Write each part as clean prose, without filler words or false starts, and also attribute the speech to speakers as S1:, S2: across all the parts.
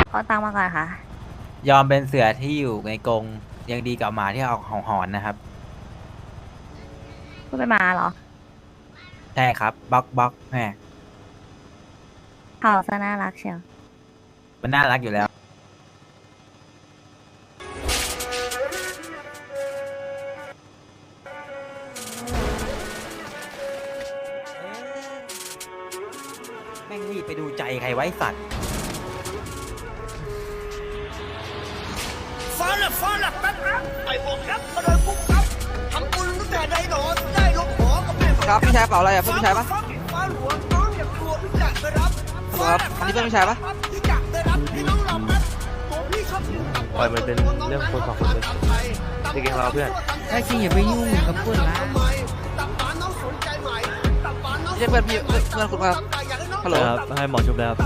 S1: เอาตังค์มาก่อนค่ะ
S2: ยอมเป็นเสือที่อยู่ในกรงยังดีกว่าหมาที่เอาของหอนนะครับ
S1: พูดเป็นหมาเหรอ
S2: ใช่ครับบล็อกบล็อกแหม
S1: เขาซะน่ารักเชียว
S2: มันน่ารักอยู่แล้วแม่งรีบไปดูใจใครไว้สัตว์
S3: ฟ้าแลบแป๊บครับไอ้พวกครับมาเลยปุ๊บครับทำบุญตั้งแต่ได้หนอนได้ลงหอกับแม่
S4: ครับพี่ชายเปล่าอะไรอ่ะเพื่อนพี่ชายปะ
S3: ฟ้าหลวงน้องอย่ากลัวพี่จักรไปรับ
S4: ครับอันนี้เพื่อนพี่ชายปะ
S3: พี่จักรไปรับให้น้องรับครับตัวพี่ชอบกินตับหวาน
S5: มันเป็นเรื่องคนสองคนเลยจริงๆเราเพื่อน
S6: ไอ้จริงอย่าไปยุ่งกับเพื่อนละ
S3: ทำไมตับหวานน้องสนใจไหมตับหวานน้อง
S4: ไม่ใช่เพื่อนพี่เพื่อนคุณครับฮัลโหล
S5: ครับให้หมอชุบแล้วครับ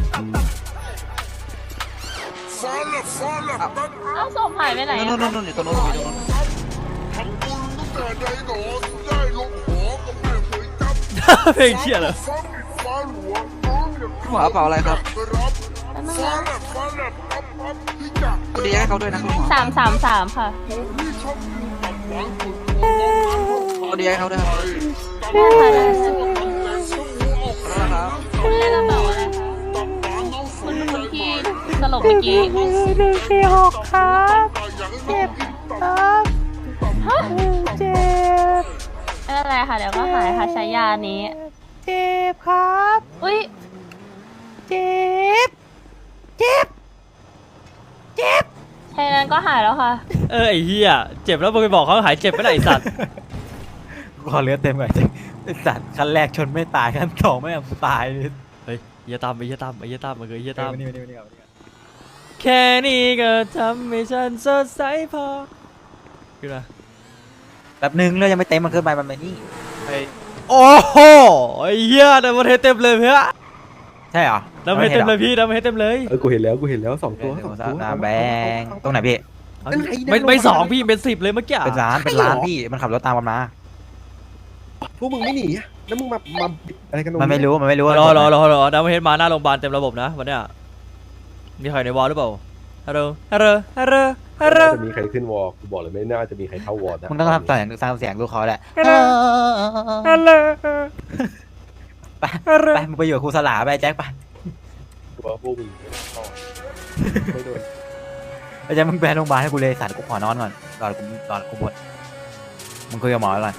S1: เอาศพหายไปไหน
S4: นู่นนู่นอยู่ตรงนู้นอยู่ตรงนู้น
S5: เพลงเชี่ยเหรอ
S4: หมอเปล่าอะไรครับคุณดีให้เขาด้วยนะคุณหมอ
S1: 333ค่ะ
S4: คุณดีให้เขาด้วยครับ
S1: ได้ค่ะได้
S4: แล้วครับ
S1: คุณเล่นกระเป๋าอะไรคะคุณที่สลบเมื่อกี้146ครับเจ็บครับฮะเจ็บไม่เป็นไรค่ะเดี๋ยวก็หายค่ะใช้ยานี้ เจ็บครับอุ้ยเจ็บเจ็บเจ็บแค่นั้นก็หายแล้วค่ะ
S5: ไอ้เหี้ยเจ็บแล้วมึงไปบอกเขาหายเจ็บไม่ได้ไอ้สัตว์
S2: ขอเลือดเต็มหน่อยสิไอ้สัตว์ขั้นแรกชนไม่ตายขั้นสองไม่ตายเลย
S5: เฮ้ยเหี้ยตามมันคือเหี้ยตาม
S2: นี่ก่อน
S5: แค่นี้ก็ทำให้ฉันสดใสพอขึ้นมา
S2: แบบนึงเลือดยังไม่เต็มมันขึ้นไปมันไปนี่
S5: โอ้โหไอ้เหี้ยดับเบิลเฮดเต็มเลยเพื่อ
S2: ใช่เหรอ
S5: ดับเบิลเฮดเต็มเลยพี่ดับเบิลเฮดเต็มเลย
S7: กูเห็นแล้วสองตัว
S2: แบงตรงไหนพี่
S5: ไม่สองพี่เป็น10เลยเมื่อกี้
S2: เป็นร้านพี่มันขับรถตามกันมา
S7: พวกมึงไม่หนีอะแล้วมึงมาอะไรกันตรง
S2: มันไม่รู้
S5: รอดับเบิลเฮดมาหน้าโรงพยาบาลเต็มระบบนะวันเนี้ยมีใครในวอลหรือเปล่าฮัลโหล
S7: จะมีใครขึ้นวอลกูบอกเลยไม่น่าจะมีใครเข้าวอลนะ
S2: มึงต้องทำเสียงลูกคอแหละ
S5: ฮัลโหล
S2: ไปมึงไปอยู่กับครูสลาไปแจ็คไป
S7: กูว่าพวกมึงไม่โดน
S2: ไปแจ็คมึงไปโรงพยาบาลให้กูเลยสัตว์กูขอนอนก่อนรอกูบดมึงคุยกับหมอก่อน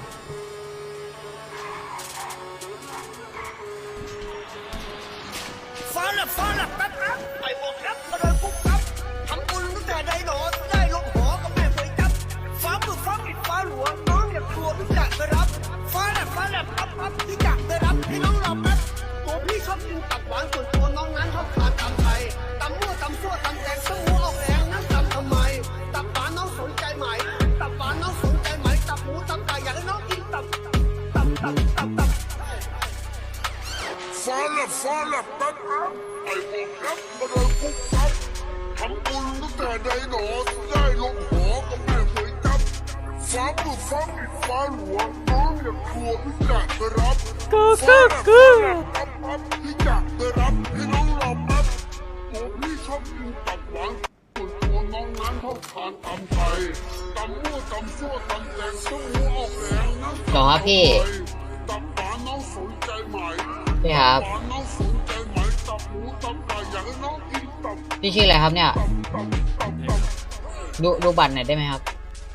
S3: ฟ้าแลบแป๊บครับไอ้พวกครับมาเลยปุ๊บครับทำบุญตั้งแต่ได้หนอนได้ลงหอกับแม่เคยจับฟ้ามือฟ้าหลวงน้องอย่ากลัวพี่จักรไปรับฟ้าแลบครับพี่จักรไปรับให้น้องรับครับตัวพี่ชอบกินตับหวานส่วนตัวน้องนั้นชอบทานตำไทยตำมั่วตำซั่วตำแตงสมูออกแรงนั้นตำทำไมตับหวานน้องสนใจไหมตับหวานน้องสนใจไหมตับหมูตำไก่อยากให้น้องกินตับฟ้าแลบแป๊บครับไอ้พวกครับมาเลยปุ๊บครับทำบุญตั้งแต่ได้หนอนได้ลงหอกับแม่เคยจับฟ้ามือฟ้าหลวงน้องอย่ากลัวพี่จักรไปรับ
S5: กู
S3: พี่จักรไปรับให้น้องรับครับตัวพี่ชอบกินตับหวานส่วนตัวน้องนั้นชอบทานตำไทยตำมั่วตำซั่วตำแตงสมูออกแรงนั้น
S8: หรอพี่
S3: ตับหวานน้องสนใจไหม
S8: พี่ครับ
S3: ตับหวานน้องสนใจไหมตับหมูตับไก่อยากให้น้องกินตับ
S8: พี่ชื่ออะไรครับเนี่ย ดูบัตรหน่อยได้ไหมครับ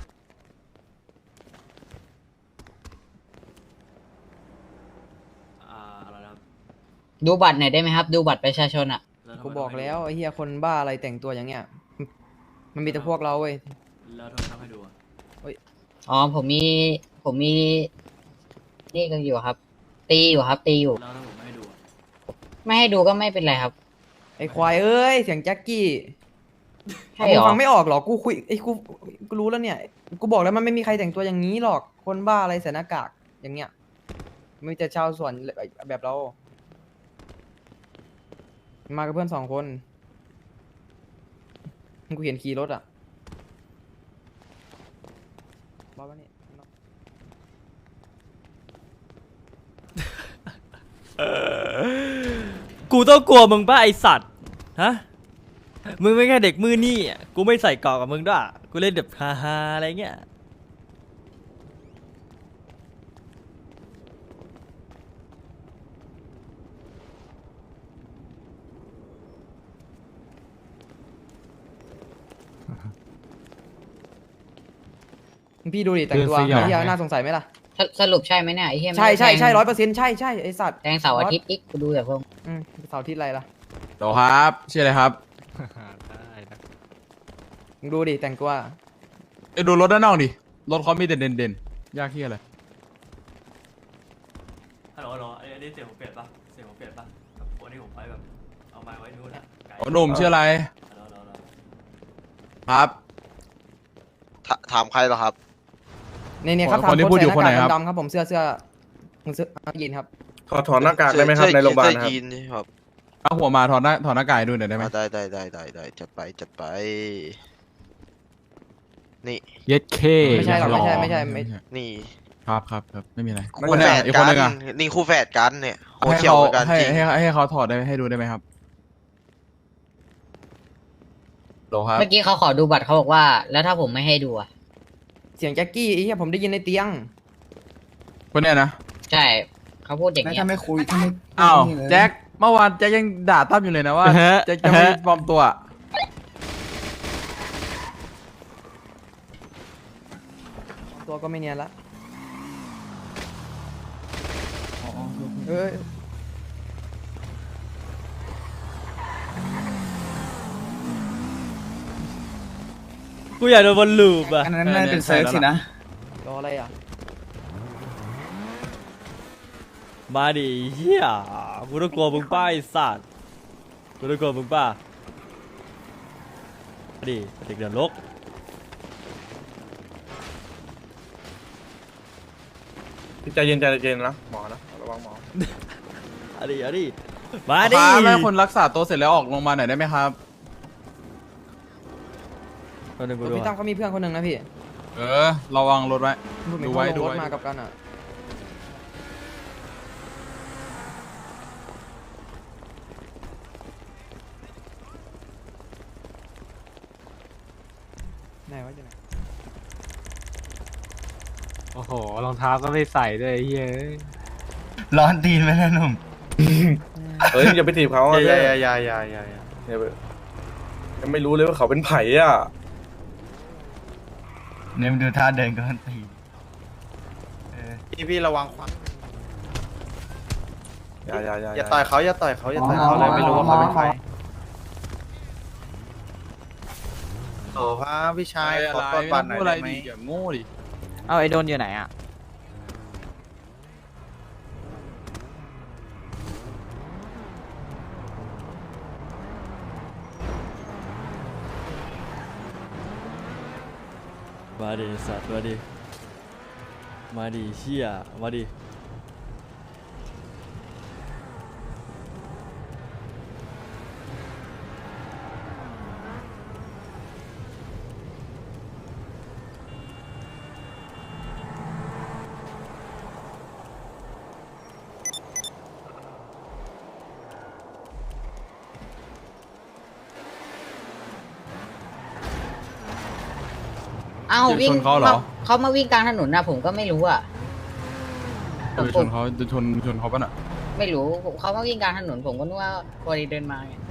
S5: อะไรนะครับ
S8: ดูบัตรหน่อยได้ไหมครับ ดูบัตรประชาชนอ่ะ
S4: กูบอกแล้วไอ้เหี้ยคนบ้าอะไรแต่งตัวอย่างเงี้ยมันมีแต่พวกเราเว้ย
S5: แล้วทำให้ดูอะ
S8: อ๋อผมมีนี่กันอยู่ครับ ตีอยู่ครับ ตีอยู่
S5: แล้วถ้าผมไม่ให้ดูอะ
S8: ไม่ให้ดูก็ไม่เป็นไรครับ
S4: ไอ้ควายเอ้ยเสียงแจ็คกี้
S8: ใช่เหรอ
S4: มึงฟังไม่ออกหรอกูคุยไอ้กูรู้แล้วเนี่ยกูบอกแล้วมันไม่มีใครแต่งตัวอย่างนี้หรอกคนบ้าอะไรใส่หน้ากากอย่างเงี้ยมีแต่ชาวสวนแบบเรามากับเพื่อน2 คนกูเห็นขี่รถอ่ะบ้าปะเนี่ย
S5: กูต้องกลัวมึงป่ะไอสัตว์ฮะมึงไม่แค่เด็กมือนี่อะกูไม่ใส่เกราะกับมึงด้วยกูเล่นแบบฮาๆอะไรเงี้ย
S4: พี่ดูดิแต่งตัว
S6: คือสยอง
S4: ไอ้เหี้ยน่าสงสัยไหมล่ะ
S8: สรุปใช่ไหมเนี่ยไอ้เหี้ย
S4: ใช่ใช่ใช่
S8: 100%
S4: 100%ใช่ใช่ไอสัตว์
S8: แทงเสาร์อาทิตย์อีกกูดูแต่พวก
S4: เสาร์อาที่ไรล่ะ
S9: โหลครับชื่ออะไรครับ
S4: มึงดูดิแต่งตัว
S9: ไอ้ดูรถด้านนอกดิ รถเขามีแต่เด่นๆ ยากที่อะไร
S5: ฮัลโหลฮัลโหลอันนี้เสียงผมเปลี่ยนปะเสียงผมเปลี่ยนปะแบบวันนี้ผมไปแบบเอาไม้ไว้นู่นอะไกล
S9: โอ้หนุ่มชื่ออะไร
S5: ฮัลโหลฮัลโหล
S9: ครับ
S10: ถามใครเหรอครับ
S4: เนี่ยครับ
S9: คนที่พูดอยู่คนไหนครับ
S4: ดำๆครับผมเสื้อมึงเสื้อยีนครับ
S7: ถอดหน้ากากได้ไหมครับในโรงพยาบาล
S10: เสื้อ
S7: นะครับ
S10: ยีนนี่ครับ
S9: เอาหัวมาถอดหน้ากากให้ดูหน่อยได้ไหม
S10: ได้จัดไป นี่
S6: เย็ดเค
S4: ไม่ใช่หรอก
S9: หล่อ
S4: ไม่ใช่
S10: นี่
S9: ครับไม่มีอะไร
S10: คู่แฝด
S9: อีก
S10: กั
S9: คน
S10: น
S9: นึงอะ
S10: นี่คู่แฝดกันเนี่ยหัว
S9: ให้
S10: เขียว
S9: เขา
S10: เหมือนกัน
S9: ให้
S10: จริง
S9: ให้เขาถอดได้ให้ดูได้ไหมครับโหลครับ
S8: เมื่อกี้เขาขอดูบัตรเขาบอกว่า แล้วถ้าผมไม่ให้ดูอ่ะ
S4: เสียงแจ็คกี้ไอ้เหี้ยผมได้ยินในเตียง
S9: คนเนี้ยนะ
S8: ใช่เขาพูดอย่างเงี้ย
S6: ถ้าไม่คุยถ้าไม่
S9: อ้าวแจ็คเมื่อวานแจ็คยังด่าตั้มอยู่เลยนะว่าแจ็คจะไม่ปลอมตัวอะ
S4: ตัวก็ไม่เนียนละเอ้ย
S5: กูอยากโดนบอลลูปอะ
S6: อันนั้นน่าเป็นเซิร์ฟสินะ
S4: รออะไรอ่ะ
S5: มาดิเฮียกูต้องกลัวมึงป้าไอ้สัตว์กูต้องกลัวมึงป้ามาดิเด็กเดือดรก
S7: ใจเย็นนะหมอนะระวังหมอ
S5: มาดิมาดิ
S9: ครับแล้วคนรักษาตัวเสร็จแล้วออกโรงพยาบาลหน่อยได้ไหมครับ
S5: คนหนึ่งกูดู
S4: พี่ตั้มเขามีเพื่อนคนหนึ่งนะพี่
S9: ระวังรถไว้
S4: พูดเหมือน
S9: ดู
S4: เขา
S9: ไว้
S4: ล
S9: ดู
S4: งรถ
S9: ไว้
S4: มากับกันอ่ะไหนวะอยู่ไหน
S6: โอ้โห รองเท้าก็ไม่ใส่ด้วยเฮ้ย
S2: ร้อนตีนไหมนะหนุ่ม
S7: เฮ้ยอย่าไปถีบเขาอย่ายังไม่รู้เลยว่าเขาเป็นไผ่อ่ะ
S2: เนี่ยมันดูท่าเดินก็ร้อนตีน
S10: พี่ระวังขวา
S7: อย่าต่อยเขาเลยไม่รู้ว่าเขาเป็นใคร
S10: โอ้พระพี่ชาย
S9: ขอตรวจบัตรหน่อยได้ไหมอย่าโง่ดิ
S6: เอาไอ้โดนอยู่ไหนอ่ะ
S5: มาดิสัตว์มาดิเชี่ยมาดิ
S8: เอ้าวิ่ง
S9: ชนเขาเหรอ
S8: เขามาวิ่งกลางถนนนะผมก็ไม่รู้อ่ะ
S9: จะชนเขาป่ะน่ะ
S8: ไม่รู้เขามาวิ่งกลางถนนผมก็นึกว่าพอดีเดินมาไง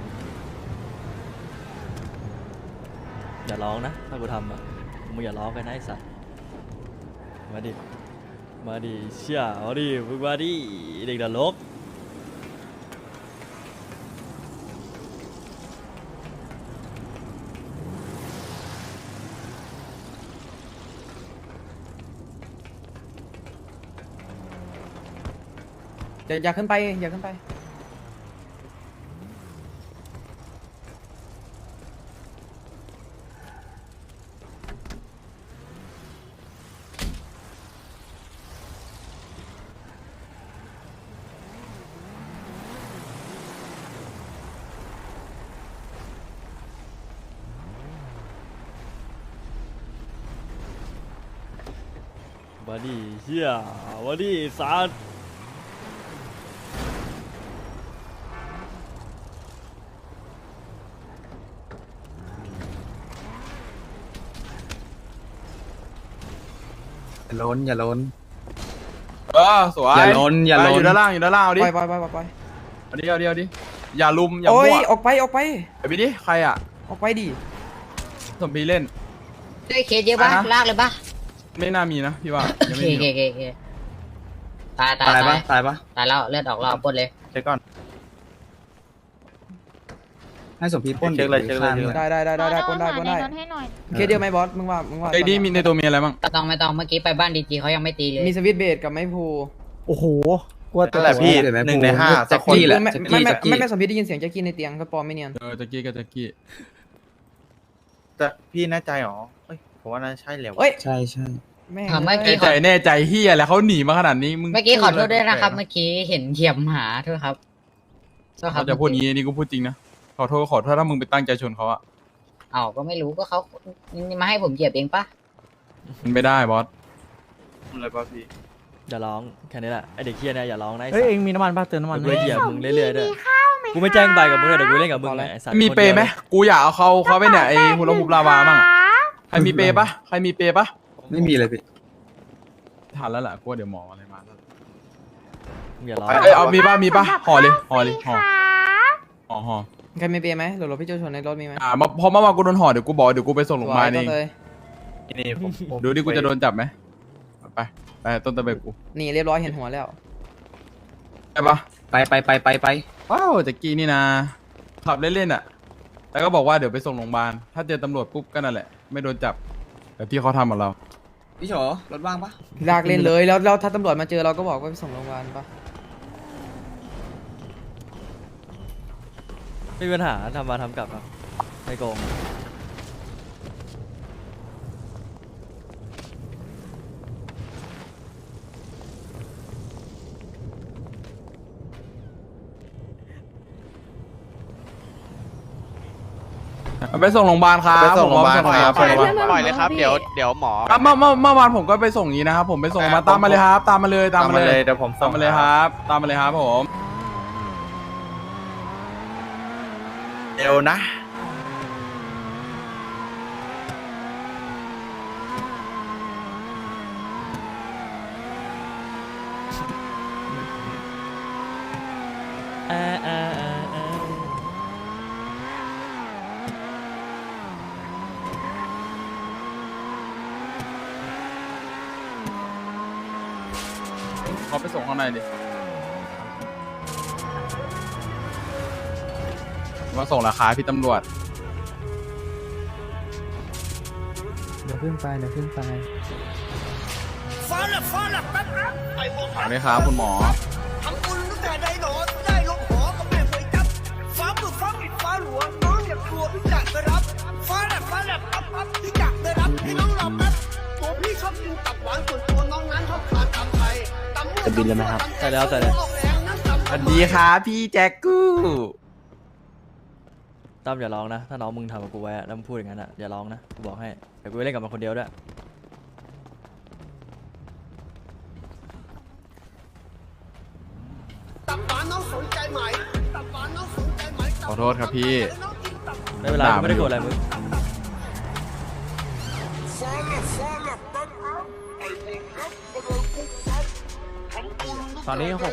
S5: อย่าร้องนะถ้ากูทำอ่ะมึงอย่าร้องกันนะไอ้สัตว์มาดิเชี่ยมาดิมึงมาดิเด็กเดือดรก
S4: อย่าขึ้นไป
S5: มาดิเชี่ยมาดิสัตว์
S9: อย่าล้นอย่าล้นสวยอย่าล้นอย่าล้นอยู่ด้านล่างอยู่ด้านล่างเอาดิ
S4: ไปเอาดิเอาดิ
S9: อย่าลุมอย่า
S4: โอ้ย
S9: มั่ว
S4: ออกไป
S9: ไปดิใครอ่ะ
S4: ออกไปดิ
S9: สมพีเล่น
S8: ด้วยเคสเยอะปะ
S9: อะไรนะ
S8: ลากเลยปะ
S9: ไม่น่ามีนะพี่ว่ายัง
S8: โอ
S9: ไม่
S8: เค
S9: มี
S8: โอเคตาย
S9: ตายปะ
S8: ตายแล้วเลือดออกรอบปนเลย
S9: เช็คก่อน
S6: ให้สมพีปล้น
S9: เช็คเลยเช็คเลย
S4: ได้ปนได้
S1: รถให้หน่อย
S4: เคสเดียวไหมบอสมึงว่า
S9: ไอ้นี่มีในตัวมีอะไรบ้าง
S8: ไม่ต้องเมื่อกี้ไปบ้านดีจีเขายังไม่ตีเลย
S4: มีสวิตช์เบสกับไม้พู
S2: โอ้โหกลัว
S10: นั่นแหละพี่1 ใน 5สักคน
S4: ไม่สมพิษได้ยินเสียงแจ็คกี้ในเตียงก็ปลอมไม่เนียน
S9: แจ็คกี้กับแจ็คกี้
S10: แต่พี่แน่ใจหรอเฮ้ยผมว่าน่าใช่แล้ว
S4: เอ้ย
S6: ใช่ใช่
S4: แม่ง
S8: เมื่อ
S9: แน่
S8: กี้
S9: ใจแน่ใจเฮียแล้วเขาหนีมาขนาดนี้มึง
S8: เมื่อกี้ขอโทษด้วยนะครับ เมื่อกี้เห็นเหยียบหมาโทษครับโทษครั
S9: เขา
S8: บ
S9: จะพูดงี้นี่กูพูดจริงนะขอโทษถ้ามึงไปตั้งใจชนเขาอะ
S8: เอ้าก็ไม่รู้ก็เขามาให้ผมเหยียบเองปะ
S9: มันไม่ได้บอส
S10: อะไรป่ะพี่
S5: อย่าร้องแค่นี้แหละไอเด็กเฮียเนี่ยอย่าร้องนะไอ้
S2: เฮ้ย
S5: สัต
S2: เอง
S5: ว์
S2: มีน้ำมันป่ะเติมน้ำมัน
S5: กูเหยียบมึงเรื่อยๆด้วยกูไม่แจ้งใบกับมึงเลยเดี๋ยวกูเล่นกับมึงไงไอ้สัตว์
S9: มีเปย์ไหมกูอยากเอาเขาไปเนี่ยไอ้ฮูลาฮูปลาวามั่งอะใครมีเปย์ปะ
S6: ไม่มีเลยพี่
S9: ทันแล้วแหละกูว่าเดี๋ยวหมออะไรมาแล้ว
S5: มึงอย่าร้อง
S9: เอามีปะห่อเลยห่อ
S4: ใครไม่เปย์ไหมหรือพี่โจชนในรถมีไหม
S9: พอเมื่อวานกูโดนห่อเดี๋ยวกูบอกเดี๋ยวกูไปส่งโรงพยาบาลเอง
S4: เลย
S10: นี่ผม
S9: ดูดิกูจะโดนจับไหมไปต้นตะเบกกู
S4: นี่เรียบร้อยเห็นหัวแล้ว
S9: ไปปะ
S6: ไป
S9: ว้าวแจ็คกี้นี่นะขับเล่นๆอะแล้วก็บอกว่าเดี๋ยวไปส่งโรงพยาบาลถ้าเจอตำรวจปุ๊บก็นั่นแหละไม่โดนจับแต่ที่เขาทำกับเรา
S6: พี่โฉรถว่างปะ
S4: ลากเล่นเลยแล้วถ้าตำรวจมาเจอเราก็บอกว่าไปส่งโรงพยาบาลปะ
S5: ไม่มีปัญหาทำมาทำกลับครับไม่โกง
S9: ไปส่งโรงพยาบาลครับ
S10: ไปส่งโรงพยาบาล
S9: ผม
S10: ครับ
S9: ไปส่งโรงพยาบาล
S10: ปล่อยเลยครับเดี๋ยวหมอ
S9: ครับเมื่อวานผมก็ไปส่งอย่างนี้นะครับผมไปส่งมาตามมาเลยครับตามมาเลย
S10: เดี๋ยวผม
S9: ตามมาเลยครับตามมาเลยครับผม
S10: เดี๋ยวนะ
S9: เขาไปส่งข้างในดิมาส่งราคาพี่ตำรวจ
S2: เดี๋ยวขึ้นไป
S3: ฟ้าแลบแป๊บครับไอ้พวก
S9: ถามเลยครับคุณหมอ
S3: ทำบุญตั้งแต่ได้หนอนได้ลงหอก็ไม่เคยจับฟ้ามือฟ้าปิดฟ้าหลวงน้องอย่ากลัวพี่จักไปรับฟ้าแลบปั๊บพี่จักไปรับให้น้องรอแป๊บตัวพี่ชอบกินตับหวานส่วนตัวน้องนั้นชอบทานตำไทยตำมั่ว
S2: จะบินเลยไหมครับ
S5: ใส่แล้วใส่แล้ว
S3: ออกแรงนั่งตำ
S9: สวัสดีครับพี่แจ็คกู้
S5: ตั้มอย่าร้องนะ ถ้าน้องมึงทำกับกูไว้อะแล้วมึงพูดอย่างนั้นอะอย่าร้องนะกูบอกให้เดี๋ยวกูไปเล่นกับมันคนเดียวด้วย
S3: ตับหวานน้องสนใจไหมตับหวานน้องสนใจไหม
S9: ขอโทษครับพี่
S5: ไม่เป็นไรกูไม่ได้โกรธอะไรมึง
S2: ตอนนี้6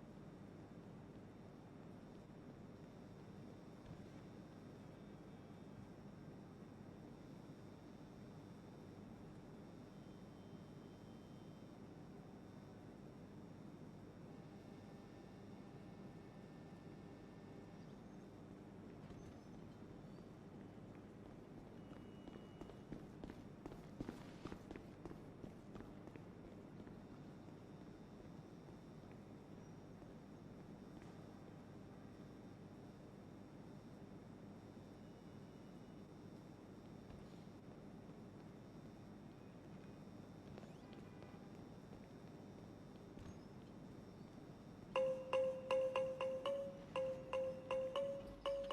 S9: เ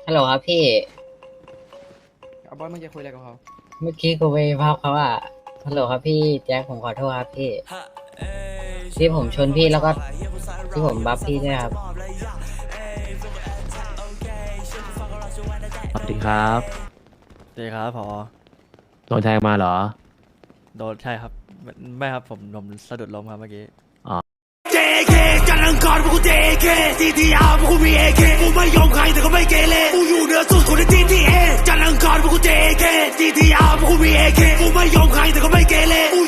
S8: ฮัลโหลครับพี่
S4: เอาบอสมึงจะคุยอะไรกับเขา
S8: เมื่อกี้กูไปภาพเขาอะฮัลโหลครับพี่แจ็คผมขอโทษครับพี่ที่ผมชนพี่แล้วก็ที่ผมบัฟพี่ด้วยครับ
S6: สวัสดีครับ
S5: สวัสดีครับพอ
S6: โดนแทงมาเหรอ
S5: โดนใช่ครับไม่ครับผมสะดุดล้มครับเมื่อกี้
S3: JK จันทร์อังคารพวกกู JK TTR พวกกูมี AK กูไม่ยอมใครแต่ก็ไม่เกเรกูอยู่เหนือสุดคนใน GTA จันทร์อังคารพวกกู JK TTR พวกกูมี AK กูไม่ยอมใครแต่ก็ไม่เกเรกู